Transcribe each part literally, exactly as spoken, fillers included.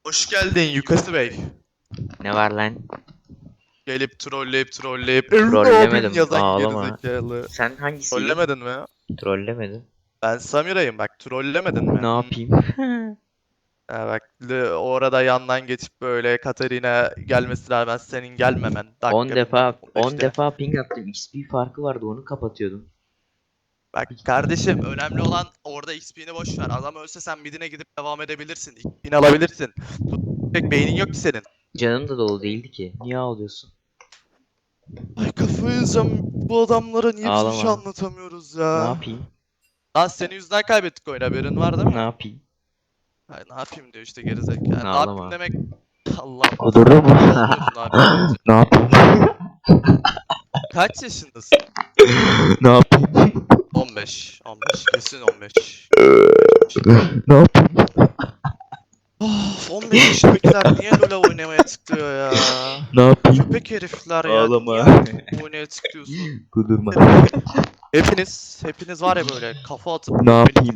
Hoş geldin Yukası Bey. Ne var lan? Gelip trolleyip trolleyip "Evin abim" Trollemedim. yazan Ağlama. gerizekalı. Sen hangisiydin? Trollemedin mi ya? Trollemedin. Ben Samira'yım bak, trollemedin mi? Ne Hmm. yapayım? Ha, bak l- orada yandan geçip böyle Katarina gelmesine rağmen senin gelmemen. Dakika on defa bilmem on beşte. defa ping attım. X P farkı vardı, onu kapatıyordum. Bak kardeşim, önemli olan orada X P'ni boş ver. Adam ölse sen midine gidip devam edebilirsin. X P'ni alabilirsin. Tutacak beynin yok ki senin. Canım da dolu değildi ki. Niye ağlıyorsun? Ay kafayı yiyeceğim. Bu adamlara niye biz bir şey Ağlama. anlatamıyoruz Ne ya? yapayım? Lan senin yüzünden kaybettik oyunu, haberin var değil mi? Ne yapayım? Ay, ne yapayım diyor işte gerizekalı. Yani ne yapayım Ağlama. demek Allah'ım. Kudurdu mu? Ne oluyorsun abi deyince. Ne yapayım? Kaç yaşındasın? Ne yapayım? on beş. on beş. Kesin on beş. Ne yapayım? Of, on beş yaşındakiler niye LoL oynamaya tıklıyor ya? Ne yapayım? Köpek herifler ya. Ağlama. Niye artık oynamaya tıklıyorsun? Kudurma. Hepiniz, hepiniz var ya böyle kafa atıp Ne yapayım?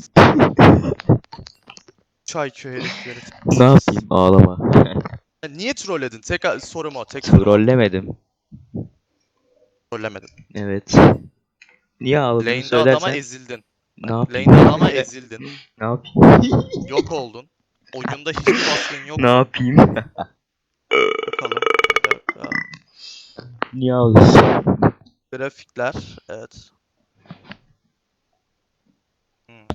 çay köy herifleri. Ne yapayım? Ağlama. Ya niye trolledin? Tek sorum o. Tek sorum o. Trollemedim. Trollemedin. Evet. Niye ağladığını Lane'de adama söylersen ezildin. ne yapayım? Lane'de adama ezildin. Ne yapayım? Yok oldun. Oyunda hiçbir baskın yok. Ne yapayım? Bakalım. Evet ya. Niye ağlıyorsun? Grafikler. Evet. Hmm.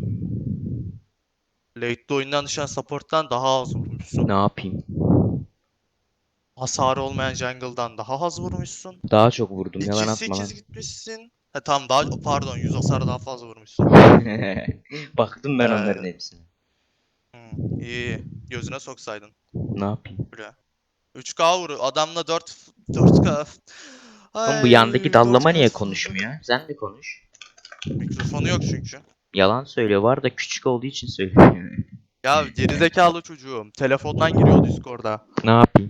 Late'de oyundan düşen support'tan daha az vurmuşsun. Ne yapayım? Hasarı olmayan jungle'dan daha az vurmuşsun. Daha çok vurdum, yalan iki atma lan. sekiz gitmişsin. Ha tamam, daha pardon, yüz hasarı daha fazla vurmuşsun. Baktım ben Ee, onların hepsine. Hmm, iyi. Gözüne soksaydın. Ne yapayım? Buraya. üç K vuru. Adamla dört dört K. Oğlum bu Ay, yandaki dallama dört K. niye konuşmuyor? Sen de konuş. Mikrofonu yok çünkü. Yalan söylüyor, var da küçük olduğu için söylüyor. Ya gerizekalı çocuğum. Telefondan giriyor Discord'a. Ne yapayım?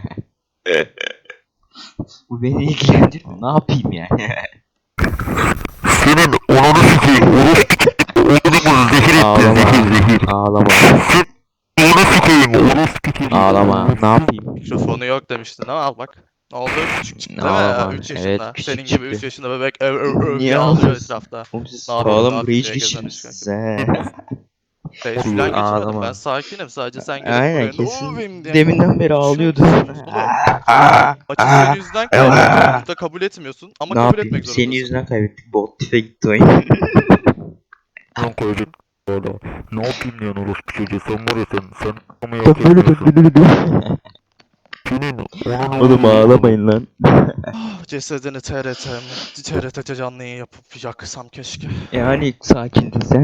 Bu beni ilgilendirmiyor. Ne yapayım yani? Senin onunu sikeyim. Oğlumu zehir ettin. Ağlama. Zehir zehir. Ağlama. Onu sikeyim. Onu sikeyim. Ağlama. Ne yapayım? Mikrofonu yok demiştin ama al bak. Ne oldu? Küçük çıktı değil mi? Ağlama. üç yaşında. Evet, küçük Senin gibi üç çıktı. yaşında bebek öv öv öv Niye diye ağlıyor ağlıyorsun? etrafta. Oğlum siz Ne yapayım, ne sağlam yapayım rage diye geçirmişsiniz gezenmiş he. Şey falan geçirmedim. Ağlama. Ben sakinim. Sadece sen gelip Aynen, buraya kesin. "Oo, benim" diye Deminden beri ağlıyordun. konuşuyorsunuz oğlum. Maçı senin yüzünden kaybettik. Burada kabul etmiyorsun ama Ne kabul yapayım? etmek Senin zorundasın. yüzünden kaybettik. Bot tipe gitti oyun. Lan koyduk. Valla. Ne yapayım yani orospu çocuğu? Sen var ya sen. Sen ama yapıyorsun. Senin onunu Oğlum ağlamayın lan. Ah, cesedini T R T mi? T R T canlı yayın yapıp yaksam keşke. Yani sakindin sen.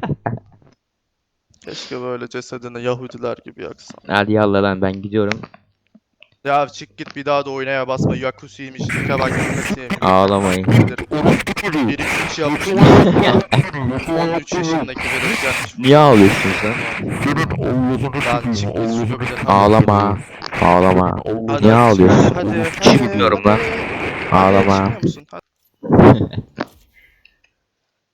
Keşke böyle cesedini Yahudiler gibi yaksam. Hadi yallah lan, ben gidiyorum. Ya çık git, bir daha da oynaya basma. Yakusiymiş, Nika bak gitmesiymiş. Ağlamayın. orospu çocuğu. Bir iki üç yapmış. on üç yaşındaki bebek gelmiş. Niye ağlıyorsun sen? Senin Allah'ını Lan sikeyim. çık git Allah'ını şunu bir de. Ağlama. Ağlama. Allah. Hadi, Niye hadi, ağlıyorsun? Hadi, hadi, Çıkmıyorum lan. hadi. Ağlama. Çıkmıyor musun? Hadi.